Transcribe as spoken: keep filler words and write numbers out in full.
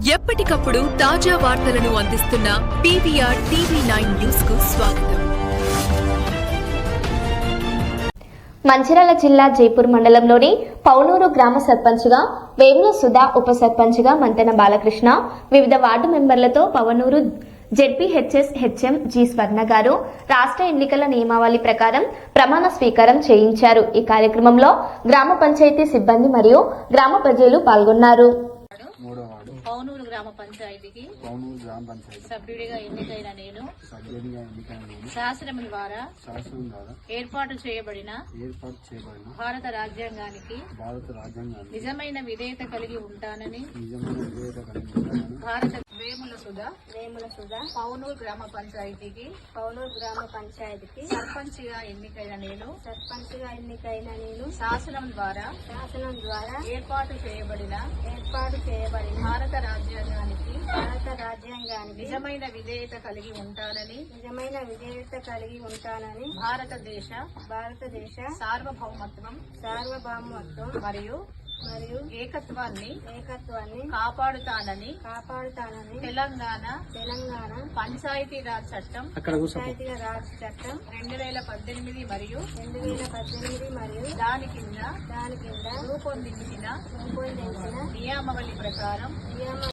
ఎప్పటికప్పుడు తాజా వార్తలను అందిస్తున్న పీవీఆర్ టీవీ నైన్ న్యూస్ కు స్వాగతం. మంచిర్యాల జిల్లా జైపూర్ మండలంలోని పౌనూరు గ్రామ సర్పంచ్గా వేముల సుధా, ఉప సర్పంచ్గా మంతెన బాలకృష్ణ, వివిధ వార్డు మెంబర్లతో Pavanuru ZPHS HM G Swarna గారు రాష్ట్ర ఎన్నికల నియమావళి ప్రకారం ప్రమాణ స్వీకారం చేయించారు. ఈ కార్యక్రమంలో గ్రామ పంచాయతీ సిబ్బంది మరియు గ్రామ ప్రజలు పాల్గొన్నారు. పౌనూరు గ్రామ పంచాయతీకి పౌనూరు గ్రామ పంచాయతీ సభ్యుడిగా ఎన్నికైన నేను సభ్యుడిగా ఎన్నికైన నేను శాసనం ద్వారా శాసనం ద్వారా ఏర్పాటు చేయబడిన ఏర్పాటు చేయబడిన భారత రాజ్యాంగానికి భారత రాజ్యాంగాన్ని నిజమైన విధేయత కలిగి ఉంటానని నిజమైన విధేయత కలిగి ఉంటానని భారత వేముల సుధా వేముల సుధా పౌనూరు గ్రామ పంచాయతీకి పౌనూరు గ్రామ పంచాయతీకి సర్పంచ్ గా ఎన్నికైన నేను సర్పంచ్ గా ఎన్నికైన నేను శాసనం ద్వారా శాసనం ద్వారా ఏర్పాటు చేయబడిన ఏర్పాటు చేయబడిన భారత రాజ్యాంగానికి భారత రాజ్యాంగానికి నిజమైన విధేయత కలిగి ఉంటానని నిజమైన విధేయత కలిగి ఉంటానని భారతదేశ భారతదేశ సార్వభౌమత్వం సార్వభౌమత్వం మరియు మరియు ఏకత్వాన్ని ఏకత్వాన్ని కాపాడుతానని కాపాడుతానని తెలంగాణ తెలంగాణ పంచాయతీరాజ్ చట్టం పంచాయతీయ రాజ్ చట్టం రెండు వేల పద్దెనిమిది మరియు రెండు వేల పద్దెనిమిది మరియు దాని కింద దాని కింద రూపొందించిన రూపొందించిన నియమావళి ప్రకారం నియమ